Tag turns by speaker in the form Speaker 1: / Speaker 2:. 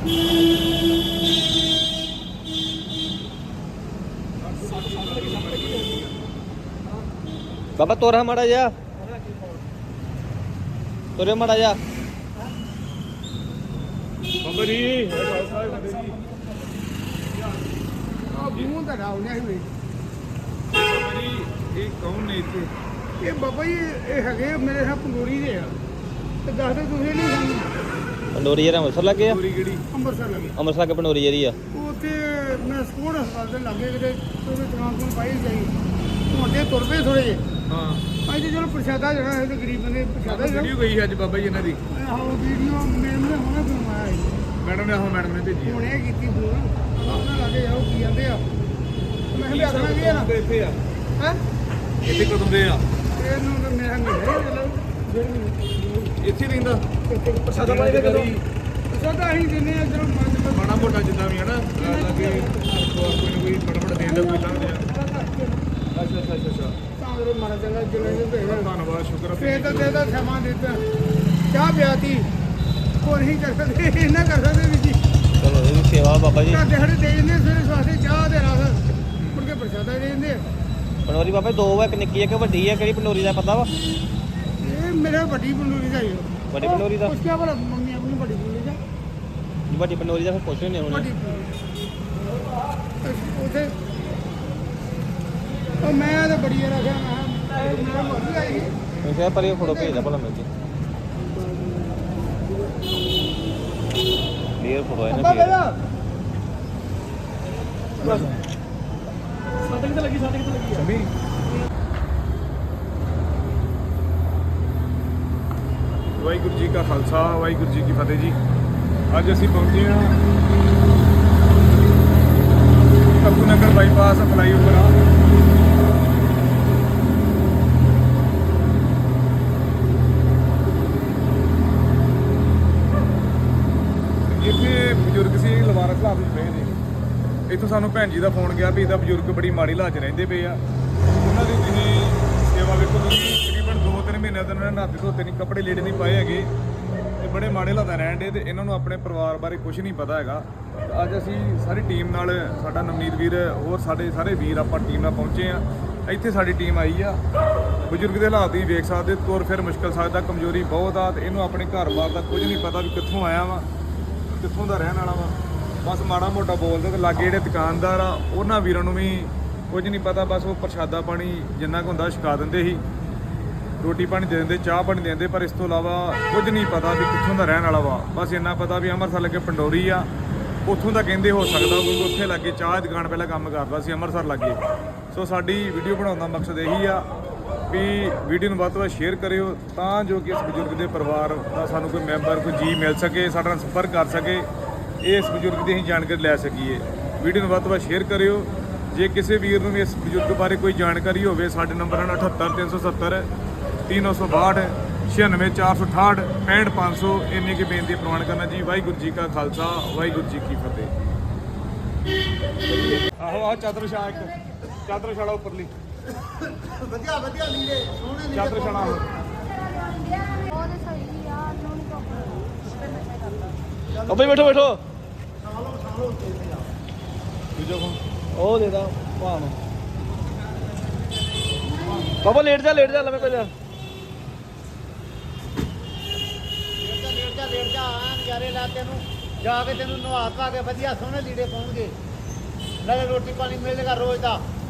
Speaker 1: बाबा तोरा माड़ा जा तोरे माड़ा जा
Speaker 2: बाबा जी
Speaker 3: ਮੂੰਹ ਤਾਂ ਰਾਉਣਿਆ ਹੀ ਨਹੀਂ
Speaker 2: बाबा जी ये कौन ने इतने
Speaker 3: ਇਹ ਬਾਬਾ ਜੀ ਇਹ ਹੈਗੇ ਮੇਰੇ ਨਾਲ ਪੰਗੋਰੀ ਦੇ ਆ ਤੇ ਦੱਸਦੇ ਤੁਸੀਂ ਨਹੀਂ ਸਾਨੂੰ
Speaker 1: पंडोरी जरा अमृतसर लगे
Speaker 2: पूरी गड़ी
Speaker 3: ਅੰਮ੍ਰਿਤਸਰ ਲੱਗੇ
Speaker 1: अमृतसर के पंडोरी जरी आ
Speaker 3: ਉਹ ਉੱਥੇ ਮੈਂ ਸਕੂਲ ਹਸਪਤਾਲ ਦੇ ਲਾਗੇ ਕਿਤੇ ਉਹਦੇ ਦੁਕਾਨ ਤੋਂ ਪਾਈ ਜਾਈ ਹੁੰਦੇ ਤੁਰ ਪਏ ਥੋੜੇ ਜਿਹੇ
Speaker 2: हाँ
Speaker 3: ਅੱਜ ਚਲੋ ਪ੍ਰਸ਼ਾਦਾ ਜਿਹੜਾ ਹੈ ਤੇ ਗਰੀਬ ਬੰਦੇ ਪ੍ਰਸ਼ਾਦਾ ਜਿਹੜਾ
Speaker 2: वीडियो गई अज बाबा जी इन्हां दी
Speaker 3: ਆਹੋ ਵੀਡੀਓ ਮੈਨੂੰ ਹੁਣੇ ਬਣਵਾਇਆ ਸੀ
Speaker 2: मैडम ने मैडम ने भेजी
Speaker 3: ਹੁਣੇ ਕੀਤੀ ਫੋਨ ਉਹਨਾਂ ਲਾਗੇ ਜਾਓ ਕੀ ਜਾਂਦੇ ਆ ਮੈਂ ਕਿਹਾ ਵੀ ਆਖਣਾ ਕੀ ਆ ਨਾ
Speaker 2: ਇੱਥੇ ਆ
Speaker 3: ਹੈ
Speaker 2: ਇੱਥੇ ਕਦੋਂ ਦੇ ਆ
Speaker 3: ਇਹਨੂੰ ਤਾਂ ਮੇਰਾ ਨਹੀਂ ਚਲੋ ਜਿਹੜੀ
Speaker 2: ਇੱਥੇ ਰਹਿੰਦਾ
Speaker 3: ਪ੍ਰਸ਼ਾਦਾ ਪਾਈ ਦੇ ਕਦੋਂ ਪ੍ਰਸ਼ਾਦਾ ਅਸੀਂ ਦਿੰਦੇ ਆ ਜਦੋਂ ਮਨ
Speaker 2: ਮਾੜਾ ਮੋਟਾ ਜਿੱਦਾਂ ਵੀ ਹੈ ਨਾ ਲੱਗੇ ਕੋਈ ਨਾ ਕੋਈ ਬੜਾ ਬੜਾ ਦੇਣ ਦਾ ਕੋਈ ਲੰਘ ਜਾ ਅੱਛਾ
Speaker 3: ਸਾਂਗਰੇ ਮਾਰਾ ਚੰਗਾ ਜਿਵੇਂ ਦੇ ਭੇਜ
Speaker 2: ਧੰਨਵਾਦ ਸ਼ੁਕਰ
Speaker 3: ਫੇਰ ਤਾਂ ਦੇਦਾ ਸਮਾਂ ਦਿੱਤਾ ਚਾਹ ਪਿਆਤੀ ਕੋਈ ਨਹੀਂ ਕਰ ਸਕਦੇ ਇਹਨਾਂ ਕਰ ਸਕਦੇ ਵੀ ਜੀ
Speaker 1: चलो ये भी सेवा बाबा जी
Speaker 3: ਘਰ ਦੇ ਸਾਡੇ ਦੇ ਦਿੰਦੇ ਸਵੇਰੇ ਸਵਾਸੇ ਚਾਹ ਦੇ ਰਸ ਮੁੜ ਕੇ ਪ੍ਰਸ਼ਾਦਾ ਦੇ ਦਿੰਦੇ
Speaker 1: पंडोरी बाबा दो है एक निक्की है कि वड्डी है केड़ी पंडोरी दा पता वा
Speaker 3: ਇਹ ਮੇਰੇ ਵੱਡੀ ਬੰਦੂਰੀ ਦਾ ਹੀ
Speaker 1: ਵੱਡੀ ਪੰਡੋਰੀ ਦਾ
Speaker 3: ਉਸ ਕੇ ਬਾਅਦ ਮੰਮੀ ਆਪਣੀ ਵੱਡੀ ਬੰਦੂਰੀ ਦਾ
Speaker 1: वड्डी पंडोरी दा फिर पुछ नहीं होने
Speaker 3: ਵੱਡੀ ਉਥੇ ਉਹ ਮੈਂ ਤਾਂ ਬੜੀ ਰੱਖਿਆ ਮੈਂ ਮੇਰਾ ਮੋਦੀ ਆਈ
Speaker 1: मैं क्या पर ये फोटो भेज दा भला मिल जी क्लियर फोटो है ना
Speaker 3: ਅੱਬਾ
Speaker 1: clear।
Speaker 3: ਬੇਲਾ
Speaker 2: ਸ਼ਮੀ ਵਾਹਿਗੁਰੂ ਜੀ ਕਾ ਖਾਲਸਾ ਵਾਹਿਗੁਰੂ ਜੀ ਕੀ ਫਤਿਹ ਜੀ ਅੱਜ ਅਸੀਂ ਪਹੁੰਚੇ ਹਾਂ ਕੱਪੂ ਨਗਰ ਬਾਈਪਾਸ ਫਲਾਈਓਵਰ ਆ ਇੱਥੇ ਬਜ਼ੁਰਗ ਸੀ ਲਵਾਰਸ ਹਾਲਾਤ ਵਿੱਚ ਪਏ ਨੇ ਇੱਥੋਂ ਸਾਨੂੰ ਭੈਣ ਜੀ ਦਾ ਫੋਨ ਗਿਆ ਵੀ ਇਹਦਾ ਬਜ਼ੁਰਗ ਬੜੀ ਮਾੜੀ ਹਾਲਤ 'ਚ ਰਹਿੰਦੇ ਪਏ ਆ ਉਹਨਾਂ ਦੀ ਤੁਸੀਂ ਸੇਵਾ ਵੇਖੋ ਤੁਸੀਂ ਤਕਰੀਬਨ 2-3 ਮਹੀਨਿਆਂ ਤੋਂ ਇਹਨਾਂ ਨੇ ਨਹਾਤੇ ਧੋਤੇ ਨਹੀਂ ਕੱਪੜੇ ਲੀੜੇ ਨਹੀਂ ਪਾਏ ਹੈਗੇ ਤੇ ਬੜੇ ਮਾੜੇ ਹਾਲਾਤਾਂ ਰਹਿਣ ਦੇ ਤੇ ਇਹਨਾਂ ਨੂੰ ਆਪਣੇ ਪਰਿਵਾਰ ਬਾਰੇ ਕੁਝ ਨਹੀਂ ਪਤਾ ਹੈਗਾ ਅੱਜ ਅਸੀਂ ਸਾਰੀ ਟੀਮ ਨਾਲ ਸਾਡਾ ਨਵਨੀਤ ਵੀਰ ਹੋਰ ਸਾਡੇ ਸਾਰੇ ਵੀਰ ਆਪਾਂ ਟੀਮ ਨਾਲ ਪਹੁੰਚੇ ਆ ਇੱਥੇ ਸਾਡੀ ਟੀਮ ਆਈ ਆ ਬਜ਼ੁਰਗ ਦੇ ਹਾਲਾਤ ਵੀ ਵੇਖ ਸਕਦੇ ਤੁਰ ਫਿਰ ਮੁਸ਼ਕਲ ਸਕਦਾ ਕਮਜ਼ੋਰੀ ਬਹੁਤ ਆ ਤੇ ਇਹਨੂੰ ਆਪਣੇ ਘਰ-ਬਾਰ ਦਾ ਕੁਝ ਨਹੀਂ ਪਤਾ ਵੀ ਕਿੱਥੋਂ ਆਇਆ ਵਾ ਕਿੱਥੋਂ ਦਾ ਰਹਿਣ ਵਾਲਾ ਵਾ ਬਸ ਮਾੜਾ ਮੋਟਾ ਬੋਲਦੇ ਤੇ ਲਾਗੇ ਜਿਹੜੇ ਦੁਕਾਨਦਾਰ ਆ ਉਹਨਾਂ ਵੀਰਾਂ ਨੂੰ ਵੀ ਕੁਝ ਨਹੀਂ ਪਤਾ ਬਸ ਉਹ ਪ੍ਰਸ਼ਾਦਾ ਪਾਣੀ ਜਿੰਨਾ ਕੁ ਹੁੰਦਾ ਛਕਾ ਦਿੰਦੇ ਸੀ ਰੋਟੀ ਪਾਣੀ ਦੇ ਦਿੰਦੇ ਚਾਹ ਪਾਣੀ ਦੇ ਦਿੰਦੇ ਪਰ ਇਸ ਤੋਂ ਇਲਾਵਾ ਕੁਝ ਨਹੀਂ ਪਤਾ ਵੀ ਕਿੱਥੋਂ ਦਾ ਰਹਿਣ ਵਾਲਾ ਵਾ ਬਸ ਇੰਨਾ ਪਤਾ ਵੀ ਅੰਮ੍ਰਿਤਸਰ ਲੱਗੇ ਪੰਡੋਰੀ ਆ ਉੱਥੋਂ ਦਾ ਕਹਿੰਦੇ ਹੋ ਸਕਦਾ ਕਿਉਂਕਿ ਉੱਥੇ ਲੱਗੇ ਚਾਹ ਦੀ ਦੁਕਾਨ ਪਹਿਲਾਂ ਕੰਮ ਕਰਦਾ ਸੀ ਅੰਮ੍ਰਿਤਸਰ ਲੱਗੇ ਸੋ ਸਾਡੀ ਵੀਡੀਓ ਬਣਾਉਣ ਦਾ ਮਕਸਦ ਇਹੀ ਆ ਵੀ ਵੀਡੀਓ ਨੂੰ ਵੱਧ ਤੋਂ ਵੱਧ ਸ਼ੇਅਰ ਕਰਿਓ ਤਾਂ ਜੋ ਕਿ ਇਸ ਬਜ਼ੁਰਗ ਦੇ ਪਰਿਵਾਰ ਦਾ ਸਾਨੂੰ ਕੋਈ ਮੈਂਬਰ ਕੋਈ ਜੀ ਮਿਲ ਸਕੇ ਸਾਡੇ ਨਾਲ ਸੰਪਰਕ ਕਰ ਸਕੇ ਇਸ ਬਜ਼ੁਰਗ ਦੀ ਅਸੀਂ ਜਾਣਕਾਰੀ ਲੈ ਸਕੀਏ ਵੀਡੀਓ ਨੂੰ ਵੱਧ ਤੋਂ ਵੱਧ ਸ਼ੇਅਰ ਕਰਿਓ ਜੇ ਕਿਸੇ ਵੀਰ ਨੂੰ ਵੀ ਇਸ ਬਜ਼ੁਰਗ ਬਾਰੇ ਕੋਈ ਜਾਣਕਾਰੀ ਹੋਵੇ ਸਾਡੇ ਨੰਬਰ ਹਨ 78370 3962 96468 65500 ਇੰਨੀ ਕੀ ਬੇਨਤੀ ਪ੍ਰਵਾਨ ਕਰਨਾ ਜੀ ਵਾਹਿਗੁਰੂ ਜੀ ਕਾ ਖਾਲਸਾ ਵਾਹਿਗੁਰੂ ਜੀ ਕੀ ਫਤਿਹ ਆਹੋ ਆਹ ਚਾਦਰ ਛਾ ਇੱਕ ਚਾਦਰ ਛਾੜਾ ਉੱਪਰਲੀ
Speaker 3: ਵਧੀਆ ਵਧੀਆ ਲੀੜੇ ਸੋਹਣੇ
Speaker 2: ਚਾਦਰ ਛਾਣਾ
Speaker 1: ओ भाई बैठो बैठो
Speaker 2: ਦੂਜਾ ਫੋਨ
Speaker 1: ओ दे दा भान बाबा लेट जा लमे को जा
Speaker 3: ਲੇਟ ਜਾ ਨਜ਼ਾਰੇ ਲਾ ਤੈਨੂੰ ਜਾ ਕੇ ਤੈਨੂੰ ਨਵਾ ਧਵਾ ਕੇ ਵਧੀਆ ਸੋਹਣੇ ਲੀੜੇ ਪਾਉਣਗੇ ਨਾਲੇ ਰੋਟੀ ਪਾਣੀ ਮਿਲੇਗਾ ਰੋਜ਼ ਦਾ